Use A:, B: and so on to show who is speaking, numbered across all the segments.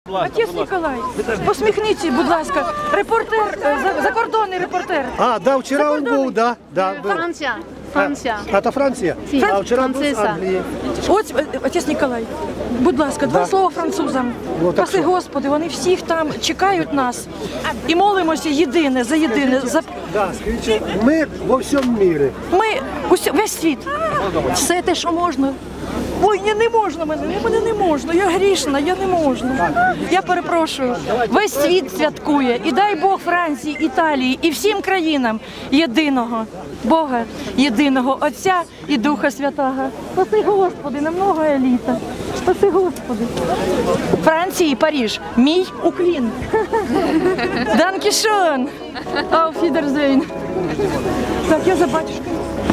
A: Отець Ніколай, посміхніться, будь ласка. Репортер, закордонний репортер.
B: А, да, вчера он был, да.
C: Франция. Франция.
B: Это Франция? А вчера был с Англии.
A: Ось, отець Ніколай, будь ласка, два слова французам. Спаси Господи, вони всіх там чекають нас. І молимося єдине, за єдине.
B: Да, скажите, мир во всем мире.
A: Ми, весь світ, все те, що можна. Ой, не можна мене не можна, я грішна, я не можу. Я перепрошую, весь світ святкує, і дай Бог Франції, Італії і всім країнам єдиного Бога, єдиного Отця і Духа Святого. Спаси Господи, на много літа. Спаси Господи. Франції, Париж, мій уклін. Данкішон. Auf Wiedersehen. Так, я за батюшкою.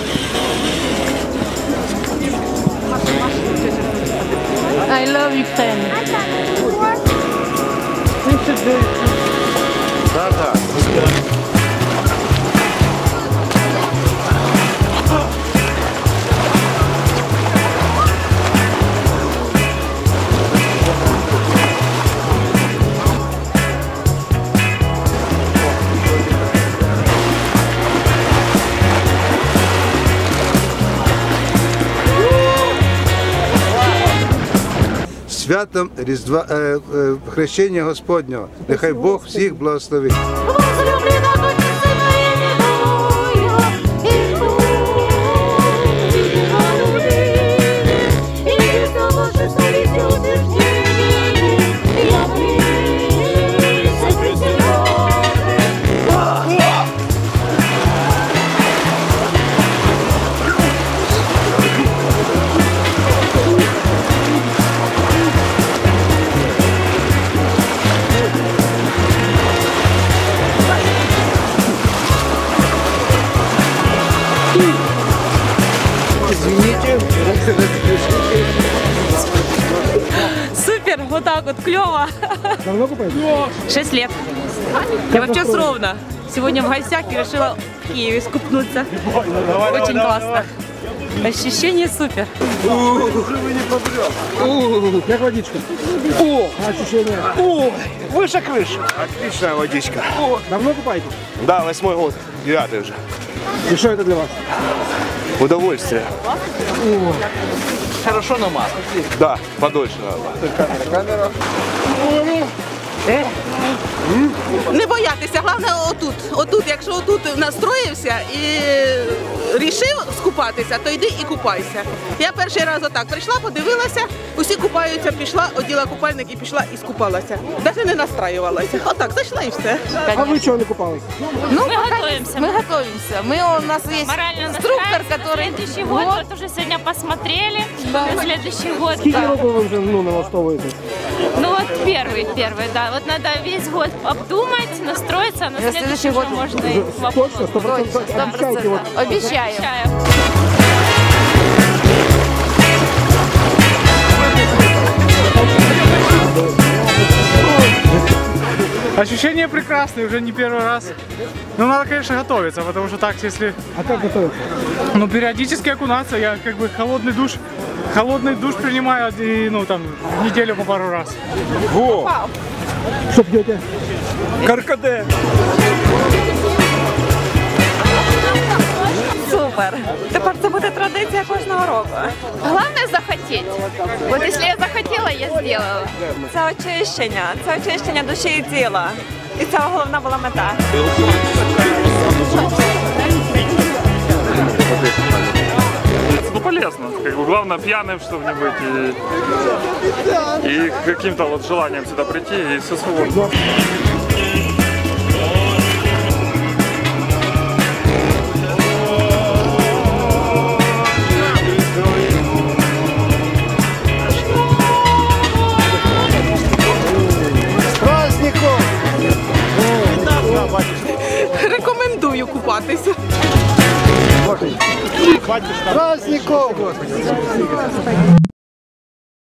A: I love Ukraine.
B: Да.
D: Святом Різдва, Хрещення Господнього. Нехай Бог всіх благословить.
E: Супер, вот так вот, клево.
B: Давно купаете?
E: 6 лет. Я вообще с Ровно. Сегодня в гостях и решила в Киеве скупнуться. Очень классно. Ощущение супер.
B: Как водичка? О, ощущения.
F: О, выше крыши. Отличная водичка.
B: Давно купаете?
F: Да, 8-й год, 9-й уже.
B: И что это для вас?
F: Удовольствие.
G: Хорошо намазать.
F: Да, подольше надо. Камера.
H: Не боятися, головне отут, якщо отут настроївся і рішив скупатися, то йди і купайся. Я перший раз отак прийшла, подивилася, усі купаються, пішла, оділа купальник і пішла і скупалася. Навіть не настраювалася. Отак, зайшла і все.
B: А вы чего не купались?
E: Ну, мы готовимся.
C: Мы готовимся. У нас есть
E: Морально
C: инструктор,
E: настраиваемся.
C: который...
E: Следующий год, вот уже сегодня посмотрели. На следующий год.
B: Сколько роков вы уже налаштовываете?
E: Ну вот первый, да. Вот надо весь год обдумать, настроиться, а на следующий год можно и
B: Точно? 100% обещаете? Вот.
C: Обещаю.
I: Ощущения прекрасные, уже не первый раз. Но надо, конечно, готовиться, потому что так, если...
B: А как готовиться?
I: Ну, периодически окунаться, я как бы холодный душ принимаю, и, ну, там, в неделю по пару раз.
F: Во!
B: Что пьете?
F: Каркаде.
E: Супер. Тепер це буде традиція кожного року.
C: Главное захотеть. Вот если я захотела, я сделала.
E: Це очищення душі і тіла. І це головна була мета.
I: Ну, полезно. Как бы, главное, пьяным, чтобы не быть. И каким-то вот желанием сюда прийти, и все свободно.
H: Рекомендую купатися.
B: Праздников!